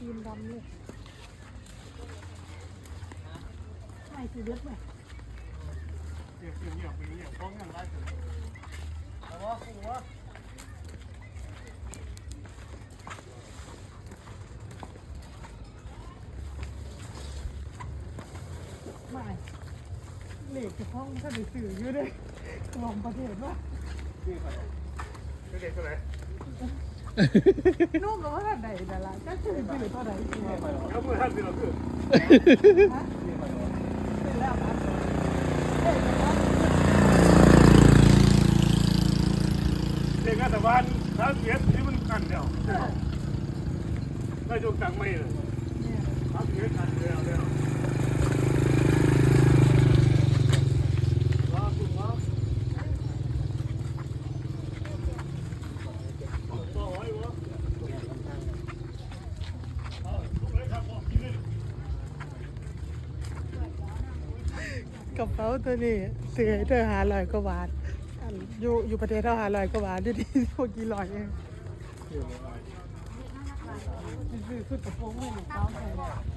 มดำเลยไม่คือเลือดไหมเดี๋ยวฟ้องกันได้ถึงแต่ว่าคุณว่าไม่เหล็กจะพ้องถ้าได้สื่ออยู่ด้วยลองประเทศว่านี่ใครเด็กเท่าไหร่นุ่มกับว่าท่านใดแต่ละก็คือสื่อเท่าไหร่สื่อแล้วเมื่อท่านเป็นเราคือฮะสื่อแล้วครับเด็กงานแต่บ้านถ้าเสียที่มันกันเดียวได้จงจังไม่เลยถ้าเสียกันเดียวว่าคุณว่าต่อไว้วะกระเป๋าตัวนี้ซื้อให้เธอ500 กว่าบาทอยู่ประเทศเท่า500 กว่าบาทอยู่ที่พวกกี่ร้อยเองซื้อชุดกระโปรงให้หนูเขาเลย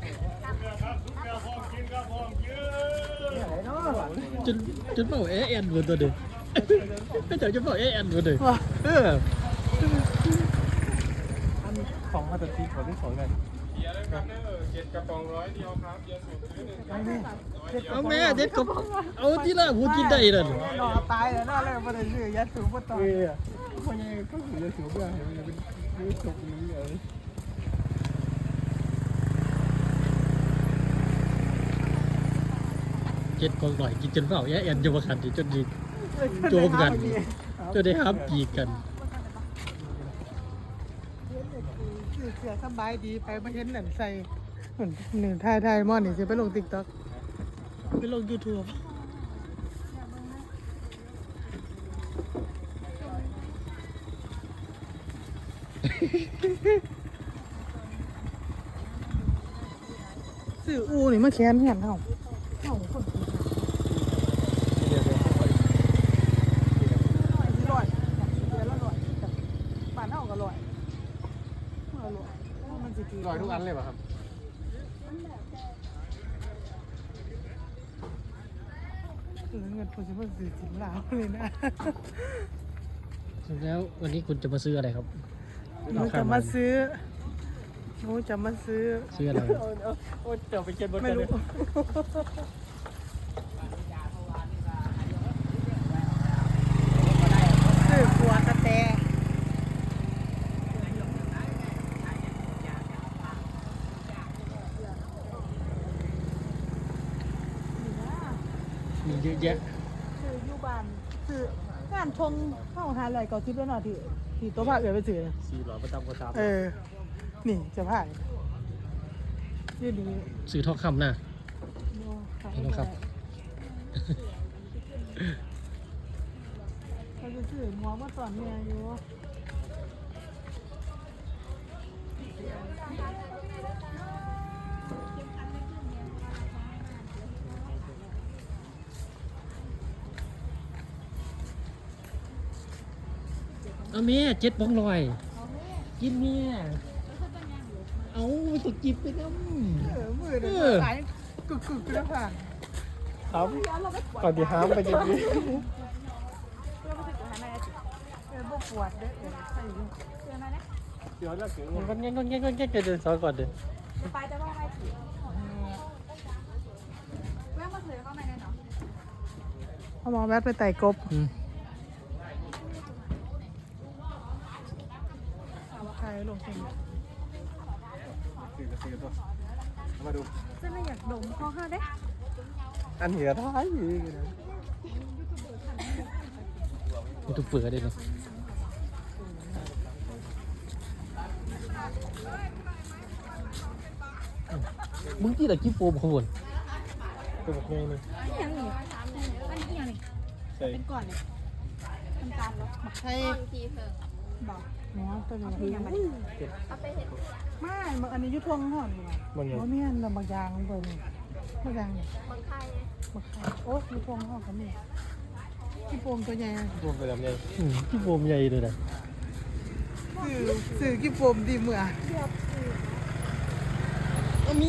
จนเป่าแอนหมดตัวเดียวไม่เจอจนเป่าแอนหมดเลยของมาตัดทีขอที่สองกัน 7 กระป๋อง100 เดียวครับเดียวสุดเอาแม่เด็ดกระป๋องเอาที่ละพูดกินได้เลยรอตายแล้วน่าเลยมาได้ซื้อยัดถุงมาต่อคนยังก็ถือจะถือเบื่อเห็นมันเป็นมือจบนี้เลย 7 กอง100กินจนเป่าแอนจะมาขัดจนดีโจมกันจนได้ห้ามปีกันเสือสบายดีไปมาเห็นหนังใส่หนึ่งไทยมอนี่จะไปลงติ๊กต็อกไปลงยูทูบสื่ออูนี่มาแค้นเห็นเขาคนป่านเท่ากับลอยลอยทุกอันเลยป่ะครับเงินผมจะมาซื้อสินลาวเลยนะแล้ววันนี้คุณจะมาซื้ออะไรครับหนูจะมาซื้อซื้ออะไรโอ้จะไปเก็บบนไม่รู้ซื้อขัวกระแตมีเยอะแยะซื้ออยู่บ้านซื้องานชงเข้าหาอะไรก็ซื้อแล้วหน่อยที่ตัวผ้าเอือไปซื้อ 400ประจำกระชับนี่จะผ้ายืดดีซื้อทองคำนะทองคำเขาจะซื้อหมวกมาสอนเมียอยู่เอาเมีย7 ป๋อง100กินเมียเอาสุกิบไปน้ำมือเดือดสายกึกแล้วค่ะครับก่อนที่ห้ามไปกินดีบ่ปวดเด้อใส่อยู่เดี๋ยวจะเกิดก็เงี้ยเดินซ้อนก่อนเดินไปจะว่าไปถือแม่มาถือเข้ามาได้เนาะเอาหมอแวะไปไต่กบใครลงเองซื้อตัวมาดูจะไม่อยากดมข้อห้าได้อันเหนือท้ายอีกมันถูกเปลือกได้เลยมึงที่ไหนกิ๊บโฟมขบวนตัวบอกเลยยังนี่อันนี้ยังนี่เป็นก่อนเลยทำการแล้วใช่ทีเพิ่งบอกเนาะตัวนี้ยังไงเอาไปเห็นไม่อันนี้ยุทวงห่อนดีกว่าเพราะเนี่ยลำบากยางลงไปนี่บางยางเนี่ยบางไข่บางไข่โอ้ยุทวงห่อนกันนี่ที่โฟมตัวใหญ่รวมไปแบบใหญ่กิ๊บโฟมใหญ่เลยนะสื่อกิ๊บโฟมดีเมื่อมี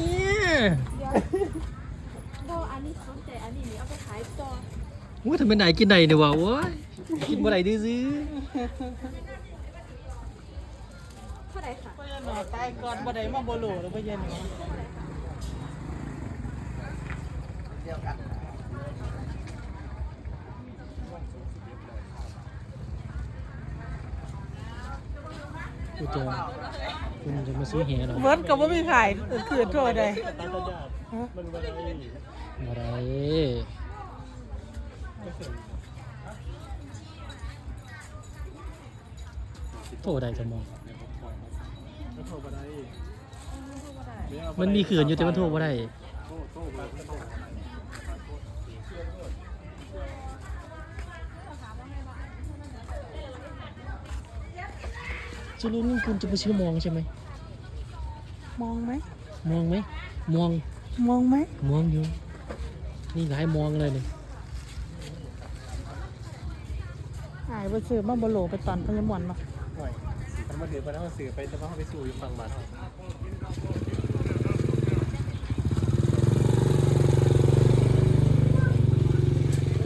โบอันนี้สนใจอันนี้นี่เอาไปขายต่อว่าทำไมไหนกินไหนเนี่ยวะโว้ยกินบ่ไหนดื้อซื้อเท่าไหร่ค่ะพ่อยันหนอตายก่อนบ่ได้มาบ่โหลหรือพ่อยันหนอกูจะคุณจะมาซื้อแหหรอเบิร์ดก็บ่มีขายคือโทษได้ตาตายากมันบ่ได้อะไรโทษใดจะมองมันโทรบ่ได้มันมีเขื่อนอยู่แต่มันโทษว่าได้โทรบ่ได้สรุปนี่คุณจะไปซื้อมองใช่ไหมมองไหมมองไหมมองมองไหมมองอยู่นี่หลายมองเลยนี่หายไปซื้อมาบ่โหลไปตอนพญามวนมาหน่อยมันมาถือไปแล้วมาสื่อไปแต่ว่าเขาไปสู่อยู่ฝั่งบ้านเขา